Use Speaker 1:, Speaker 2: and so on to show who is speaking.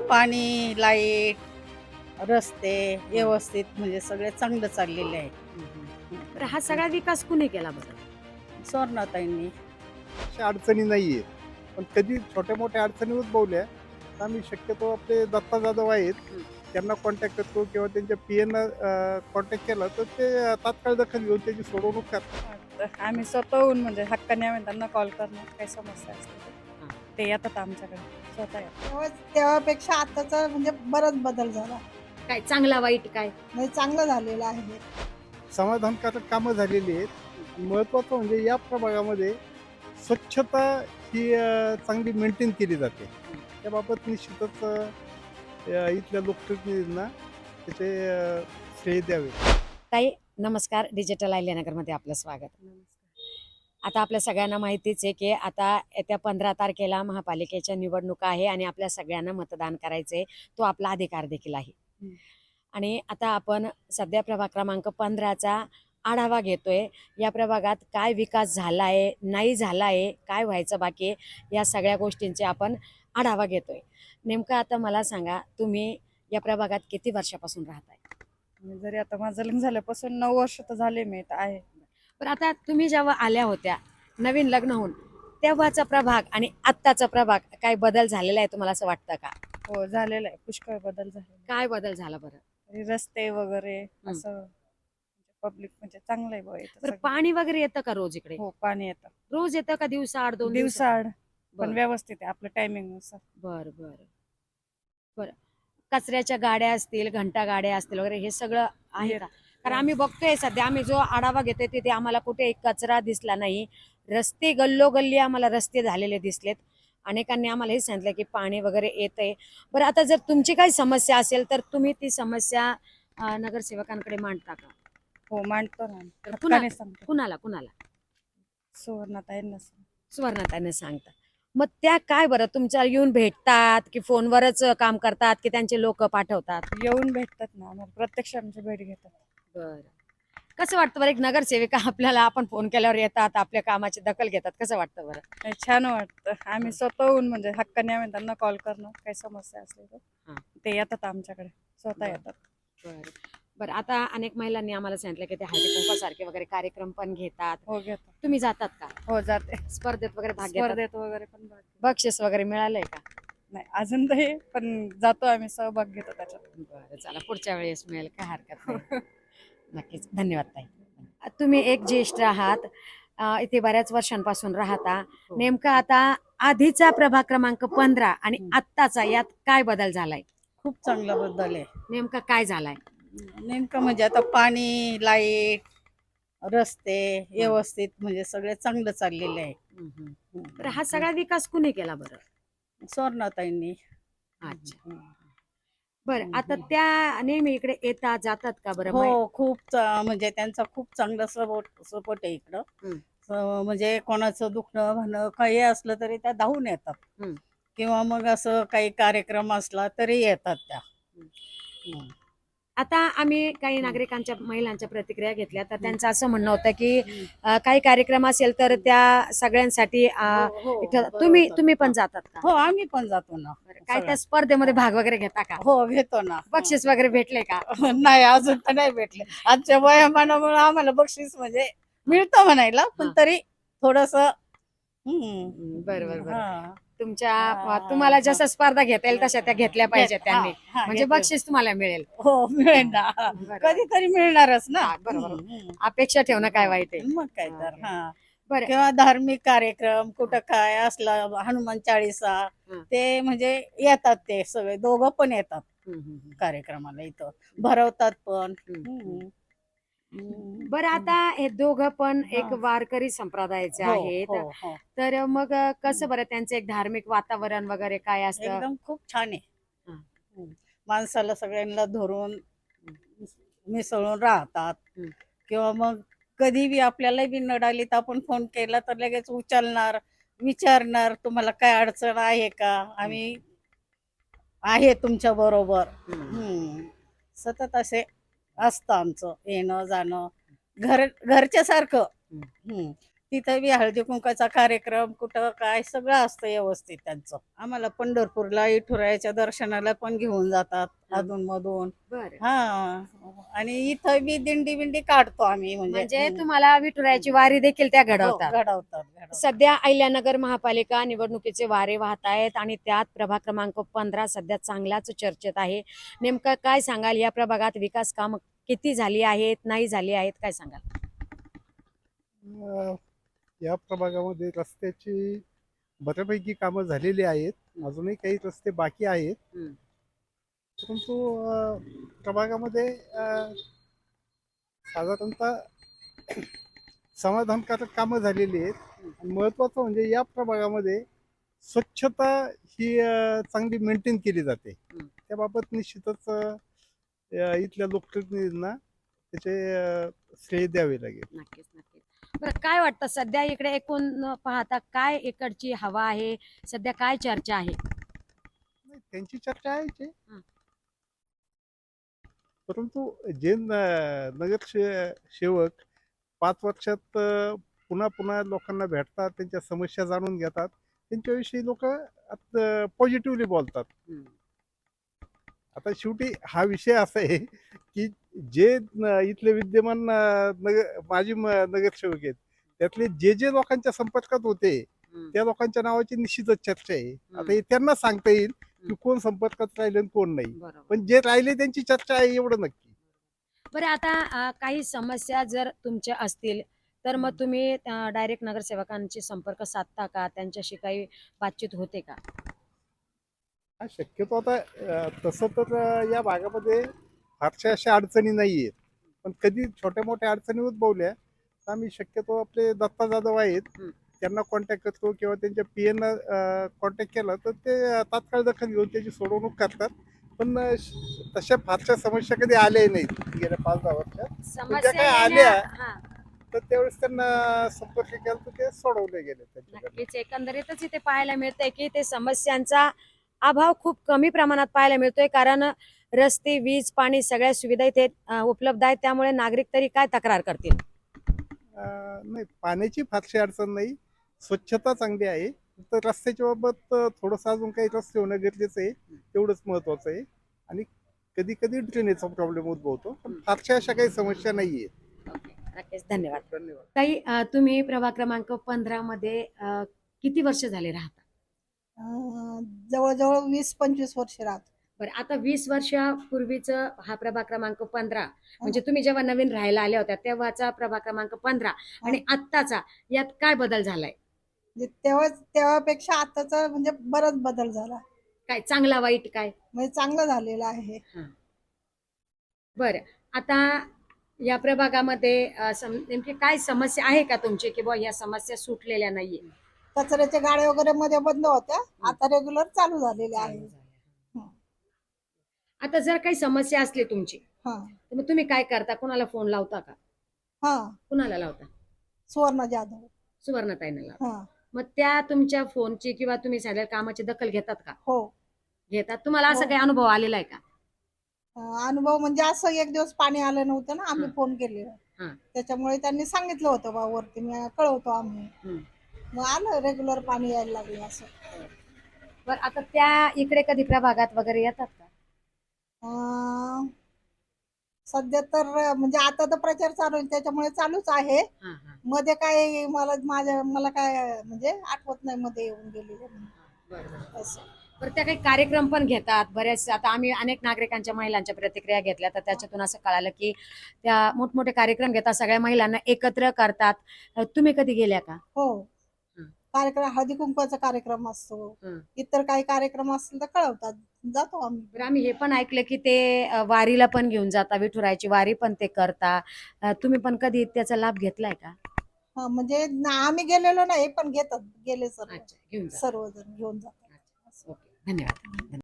Speaker 1: पाणी, लाईट, रस्ते व्यवस्थित म्हणजे सगळे चांगलं चाललेले आहे.
Speaker 2: तर हा सगळा विकास कुणी केला बरं?
Speaker 1: सुवर्णाताईंनी.
Speaker 3: अशा अडचणी नाहीये. पण कधी छोट्या-मोठ्या अडचणी उद्भवल्या, तर आम्ही शक्यतो आपले दत्ता जाधव आहेत,
Speaker 2: हं.
Speaker 3: त्यांना कॉन्टॅक्ट करतो किंवा त्यांच्या पीएना कॉन्टॅक्ट केला, तर ते तात्काळ दखल घेऊन त्याची सोडवणूक करतात.
Speaker 1: आम्ही स्वतःहून म्हणजे हक्काने आम्ही त्यांना कॉल करणार काही समस्या असली तर.
Speaker 2: हां.
Speaker 1: ते येतात आमच्याकडे स्वतः येतात.
Speaker 4: तेव्हापेक्षा आताचा म्हणजे बराच बदल झाला.
Speaker 2: काय चांगला वाईट काय?
Speaker 4: म्हणजे चांगलं झालेलं आहे.
Speaker 3: समाधानकारक कामं झालेली आहेत. महत्त्वाचं म्हणजे या प्रभागामध्ये स्वच्छता ही चांगली मेंटेन केली जाते. त्याबाबत निश्चितच इथल्या लोकप्रतिनिधींना त्याचे श्रेय द्यावे.
Speaker 2: ताई नमस्कार, डिजिटल आयल्यानगरमध्ये आपलं स्वागत. आता आपल्या सगळ्यांना माहितीच आहे की आता येत्या 15 तारखेला महापालिकेच्या निवडणुका आहे आणि आपल्या सगळ्यांना मतदान करायचंय. तो आपला अधिकार देखील आहे. आणि आता आपण सध्या प्रभाग क्रमांक 15चा आढावा घेतोय. या प्रभागात काय विकास झाला आहे, नाही झाला आहे, काय व्हायचं बाकी आहे, या सगळ्या गोष्टींचे आपण आढावा घेतोय. नेमकं आता मला सांगा, तुम्ही या प्रभागात किती वर्षापासून राहताय?
Speaker 1: जरी आता माझं लग्न झाल्यापासून 9 वर्ष तर झाले मी इथं आहे.
Speaker 2: पण आता तुम्ही जेव्हा आल्या होत्या नवीन लग्न होऊन, तेव्हाचा प्रभाग आणि आत्ताचा प्रभाग काय बदल झालेला आहे तुम्हाला असं वाटतं का?
Speaker 1: हो झालेलं आहे, पुष्कळ बदल झालेला
Speaker 2: काय बदल झाला बरं?
Speaker 1: आहे. रस्ते वगैरे असं पब्लिक म्हणजे चांगलं आहे बुवा इथं
Speaker 2: बरं,
Speaker 1: सगळं.
Speaker 2: पाणी वगैरे येतं का रोज इकडे?
Speaker 1: हो पाणी येतं
Speaker 2: रोज येतं का दिवसाआड 2
Speaker 1: दिवसाआड पण
Speaker 2: बरं.
Speaker 1: व्यवस्थित आहे आपलं टायमिंग नुसार.
Speaker 2: बरं बरं बरं. कचऱ्याच्या गाड्या असतील, घंटा गाड्या असतील वगैरे हे सगळं आहे का? कारण आम्ही बघतोय सध्या, आम्ही जो आढावा घेतोय तिथे आम्हाला कुठे कचरा दिसला नाही. रस्ते गल्लोगल्ली आम्हाला रस्ते झालेले दिसलेत. अनेकांनी आम्हाला हे सांगितलं की पाणी वगैरे येतंय. बरं, आता जर तुमची काही समस्या असेल तर तुम्ही ती समस्या नगरसेवकांकडे मांडता का?
Speaker 1: हो मांडतो ना
Speaker 2: तर
Speaker 1: हक्काने सांगतो.
Speaker 2: कुणाला कुणाला?
Speaker 1: सुवर्णाताईंना सांगतो.
Speaker 2: सुवर्णाताईंना सांगता. मग त्या काय बरं तुमच्या येऊन भेटतात की फोनवरच काम करतात की त्यांचे लोक पाठवतात?
Speaker 1: येऊन भेटतात ना आम्हाला, प्रत्यक्ष आमची भेट घेतात.
Speaker 2: बरं. कसं वाटतं बरं, एक नगरसेविका आपल्याला आपण फोन केल्यावर येतात, आपल्या कामाची दखल घेतात, कसं वाटतं बरं?
Speaker 1: नाही, छान वाटतं. आम्ही स्वतःहून म्हणजे हक्काने आम्ही त्यांना कॉल करणार काही समस्या असली तर.
Speaker 2: हां.
Speaker 1: ते येतात आमच्याकडे स्वतः
Speaker 2: बरं.
Speaker 1: येतात.
Speaker 2: बरं बरं. आता अनेक महिलांनी आम्हाला सांगितलं की ते हळदीकुंकवासारखे वगैरे कार्यक्रम पण घेतात.
Speaker 1: हो घेतात.
Speaker 2: तुम्ही जातात का?
Speaker 1: हो जाते.
Speaker 2: स्पर्धेत वगैरे भाग घेतात?
Speaker 1: स्पर्धेत वगैरे पण भाग घेतो.
Speaker 2: बक्षीस वगैरे मिळालंय का?
Speaker 1: नाही अजून नाही पण जातो आम्ही, सहभाग घेतो त्याच्यात.
Speaker 2: बरं, चला पुढच्या वेळेस मिळेल, काय हरकत नाही. नक्कीच. धन्यवाद ताई. तुम्ही एक ज्येष्ठ आहात, इथे बऱ्याच वर्षांपासून राहता. नेमका आता आधीचा प्रभाग क्रमांक 15 आणि आत्ताचा यात काय बदल झालाय?
Speaker 1: खूप चांगला बदल आहे.
Speaker 2: नेमका काय झालाय?
Speaker 1: नेमकं म्हणजे आता पाणी, लाईट, रस्ते व्यवस्थित म्हणजे सगळे चांगलं चाललेले आहे.
Speaker 2: तर हा सगळा विकास कुणी केला बरं?
Speaker 1: सुवर्णाताईंनी.
Speaker 2: अच्छा. बरं, आता त्या नेहमी इकडे येतात जातात का बरं?
Speaker 1: हो खूप म्हणजे त्यांचा खूप चांगला सपोर्ट आहे इकडं. म्हणजे कोणाचं दुखणं म्हणणं काही असलं तरी त्या धावून येतात.
Speaker 2: हं.
Speaker 1: किंवा मग असं काही कार्यक्रम असला तरी येतात त्या.
Speaker 2: आता आम्ही काही नागरिकांच्या महिलांच्या प्रतिक्रिया घेतल्या, तर त्यांचं असं म्हणणं होतं की काही कार्यक्रम असेल तर त्या सगळ्यांसाठी तुम्ही पण जातात का?
Speaker 1: हो आम्ही पण जातो ना.
Speaker 2: काय त्या स्पर्धेमध्ये भाग वगैरे घेता का?
Speaker 1: हो घेतो ना.
Speaker 2: बक्षीस वगैरे भेटले का?
Speaker 1: नाही अजून तर नाही भेटले. आजच्या वयामानामुळे आम्हाला बक्षीस म्हणजे मिळतं म्हणायला, पण
Speaker 2: हा.
Speaker 1: तरी थोडस
Speaker 2: बरोबर बरं. तुम्हाला जसं स्पर्धा घेता येईल तशा त्या घेतल्या पाहिजेत त्यांनी, म्हणजे बक्षीस तुम्हाला मिळेल.
Speaker 1: हो मिळेल ना. कधीतरी मिळणारच ना.
Speaker 2: हा, बरोबर. अपेक्षा ठेवणं काय वाईट आहे?
Speaker 1: मग काय तर. हा
Speaker 2: बरं.
Speaker 1: किंवा धार्मिक कार्यक्रम कुठं काय असला, हनुमान चाळीसा, ते म्हणजे येतात ते सगळे दोघं पण येतात कार्यक्रमाला, इथं भरवतात पण.
Speaker 2: बरं, आता हे दोघं पण एक वारकरी संप्रदायाचे आहेत, तर मग कसं बरं त्यांचं एक धार्मिक वातावरण वगैरे काय असतं?
Speaker 1: एकदम खूप छान आहे. माणसाला सगळ्यांना धरून मिसळून राहतात. किंवा मग कधी बी आपल्याला बी नडाली तर आपण फोन केला तर लगेच उचलणार, विचारणार तुम्हाला काय अडचण आहे का, आम्ही आहे तुमच्या बरोबर. सतत असे असतं आमचं येणं जाणं, घरच्या सारखं. तिथं बी हळदी कुंकाचा कार्यक्रम कुठं काय सगळं असतं व्यवस्थित त्यांचं. आम्हाला पंढरपूरला विठुरायाच्या दर्शनाला पण घेऊन जातात अधून मधून.
Speaker 2: बरं.
Speaker 1: हा, आणि इथं बी दिंडी बिंडी काढतो आम्ही
Speaker 2: म्हणजे तुम्हाला विठुरायाची वारी देखील त्या
Speaker 1: हो,
Speaker 2: घडवतात.
Speaker 1: घडवतात.
Speaker 2: सध्या अहिल्यानगर महापालिका निवडणुकीचे वारे वाहत आहेत आणि त्यात प्रभाग क्रमांक 15 सध्या चांगलाच चर्चेत आहे. नेमकं काय सांगाल, या प्रभागात विकास काम किती झाली आहेत, नाही झाली आहेत, काय सांगाल?
Speaker 3: अं, या प्रभागामध्ये रस्त्याची बऱ्यापैकी कामं झालेली आहेत. अजूनही काही रस्ते बाकी आहेत.
Speaker 2: हम्म.
Speaker 3: परंतु प्रभागामध्ये साधारणतः समाधानकारक कामं झालेली आहेत. आणि महत्त्वाचं म्हणजे या प्रभागामध्ये स्वच्छता ही चांगली मेंटेन केली जाते. त्याबाबत निश्चितच इथल्या लोकप्रतिनिधींना त्याचे श्रेय द्यावे लागेल.
Speaker 2: नक्कीच नक्कीच. बरं, काय वाटतं सध्या इकडे एकूण पाहता काय इकडची हवा आहे, सध्या काय चर्चा आहे?
Speaker 3: नाही, त्यांची चर्चा आहेच आहे.
Speaker 2: हं.
Speaker 3: परंतु जे नगरसेवक 5 वर्षात पुन्हा पुन्हा लोकांना भेटतात, त्यांच्या समस्या जाणून घेतात, त्यांच्याविषयी लोक पॉझिटिव्हली बोलतात. आता शेवटी हा विषय असा आहे की जे इथले विद्यमान माजी नगरसेवक आहेत, त्यातले जे जे लोकांच्या संपर्कात होते त्या लोकांच्या नावाची निश्चितच चर्चा आहे. आता हे त्यांना सांगता येईल की कोण संपर्कात राहिले आणि कोण नाही,
Speaker 2: बरोबर.
Speaker 3: पण जे राहिले त्यांची चर्चा आहे एवढं नक्की.
Speaker 2: बरं, आता काही समस्या जर तुमच्या असतील तर मग तुम्ही डायरेक्ट नगरसेवकांशी संपर्क साधता का, त्यांच्याशी काही बातचीत होते का?
Speaker 3: हा, शक्यतो आता तसं तर या भागामध्ये फारशा अशा अडचणी नाही आहेत, पण कधी छोट्या मोठ्या अडचणी उद्भवल्या तर आम्ही शक्यतो आपले दत्ता जाधव आहेत त्यांना कॉन्टॅक्ट करतो किंवा त्यांच्या PN कॉन्टॅक्ट केला तर ते तात्काळ दखल घेऊन त्याची सोडवणूक करतात. पण तशा फारशा समस्या कधी आल्या नाहीत गेल्या 5-10 वर्षात.
Speaker 2: समस्या
Speaker 3: काय
Speaker 2: येण्या-
Speaker 3: आल्या?
Speaker 2: हा,
Speaker 3: तर त्यावेळेस त्यांना संपर्क केला तर ते सोडवले गेले त्यांच्याकडे.
Speaker 2: नक्कीच. एकंदरीतच इथे पाहायला मिळतंय की ते समस्यांचा अभाव खूप कमी प्रमाणात पाहायला मिळतोय, कारण रस्ते, वीज, पाणी सगळ्या सुविधा इथे उपलब्ध आहेत. त्यामुळे नागरिक तरी काय तक्रार करतील?
Speaker 3: नाही, पाण्याची फारशी अडचण नाही, स्वच्छता चांगली आहे. तर रस्त्याच्या बाबत थोडंसं अजून काही रस्ते होणं गरजेचं आहे, तेवढंच महत्वाचं आहे. आणि कधी कधी ड्रेनेजचा प्रॉब्लेम उद्भवतो, पण फारशा अशा काही समस्या नाही आहेत.
Speaker 2: नक्कीच, धन्यवाद.
Speaker 3: धन्यवाद.
Speaker 2: ताई, तुम्ही प्रभाग क्रमांक 15 मध्ये किती वर्ष झाले राहता?
Speaker 4: जवळजवळ 20-25 वर्ष राहतो.
Speaker 2: बरं, आता 20 वर्षापूर्वीच हा प्रभाग क्रमांक 15 म्हणजे तुम्ही जेव्हा नवीन राहायला आल्या होत्या तेव्हाचा प्रभाग क्रमांक 15 आणि आत्ताचा यात काय बदल झालाय?
Speaker 4: म्हणजे तेव्हापेक्षा आताचा म्हणजे बराच बदल झाला.
Speaker 2: काय चांगला वाईट काय?
Speaker 4: म्हणजे चांगलं झालेलं आहे.
Speaker 2: बरं, आता या प्रभागामध्ये नेमकी काय समस्या आहे का तुमची, की बुवा या समस्या सुटलेल्या नाहीये?
Speaker 4: कचऱ्याच्या गाड्या वगैरे मध्ये बंद होत्या, आता रेग्युलर चालू झालेल्या आहे.
Speaker 2: आता जर काही समस्या असली तुमची
Speaker 4: हा
Speaker 2: तर मग तुम्ही काय करता? कुणाला फोन लावता का?
Speaker 4: हा
Speaker 2: कुणाला लावता?
Speaker 4: सुवर्ण जाधव.
Speaker 2: सुवर्णाताईंना लावता.
Speaker 4: हा
Speaker 2: मग त्या तुमच्या फोनची किंवा तुम्ही झालेल्या कामाची दखल घेतात का?
Speaker 4: हो.
Speaker 2: घेतात. तुम्हाला असं
Speaker 4: हो.
Speaker 2: काही अनुभव आलेला आहे का?
Speaker 4: अनुभव म्हणजे असं एक दिवस पाणी आलं नव्हतं ना, आम्ही
Speaker 2: हा.
Speaker 4: फोन केलेला,
Speaker 2: हा.
Speaker 4: त्याच्यामुळे त्यांनी सांगितलं होतं बा वरती मी कळवतो आम्ही.
Speaker 2: हम्म.
Speaker 4: मग आलं रेग्युलर पाणी यायला लागलं असं.
Speaker 2: बरं, आता त्या इकडे कधी प्रभागात वगैरे येतात का?
Speaker 4: सध्या तर म्हणजे आता तर प्रचार चालू आहे त्याच्यामुळे चालूच आहे.
Speaker 2: हा, हा.
Speaker 4: मध्ये काय मला काय म्हणजे आठवत नाही मध्ये येऊन गेलेले म्हणून.
Speaker 2: बरं.
Speaker 4: असं.
Speaker 2: बरं, त्या काही कार्यक्रम पण घेतात बऱ्याच. आता आम्ही अनेक नागरिकांच्या महिलांच्या प्रतिक्रिया घेतल्या तर त्याच्यातून असं कळालं की त्या मोठमोठे कार्यक्रम घेतात, सगळ्या महिलांना एकत्र करतात. तुम्ही कधी गेल्या का?
Speaker 4: हो.
Speaker 2: हं.
Speaker 4: कार्यक्रम हळदी कुंकवाचा कार्यक्रम असतो,
Speaker 2: हं.
Speaker 4: इतर काही कार्यक्रम असतील तर कळवतात, जातो आम्ही.
Speaker 2: बरं, आम्ही हे पण ऐकलं की ते वारीला पण घेऊन जाता, विठुरायाची वारी पण ते करता. तुम्ही पण कधी त्याचा लाभ घेतलाय का?
Speaker 4: हा, म्हणजे आम्ही गेलेलो नाही पण घेतात, गेले सर्व
Speaker 2: अच्छा, घेऊन जा.
Speaker 4: सर्वजण घेऊन जातात.
Speaker 2: ओके, धन्यवाद.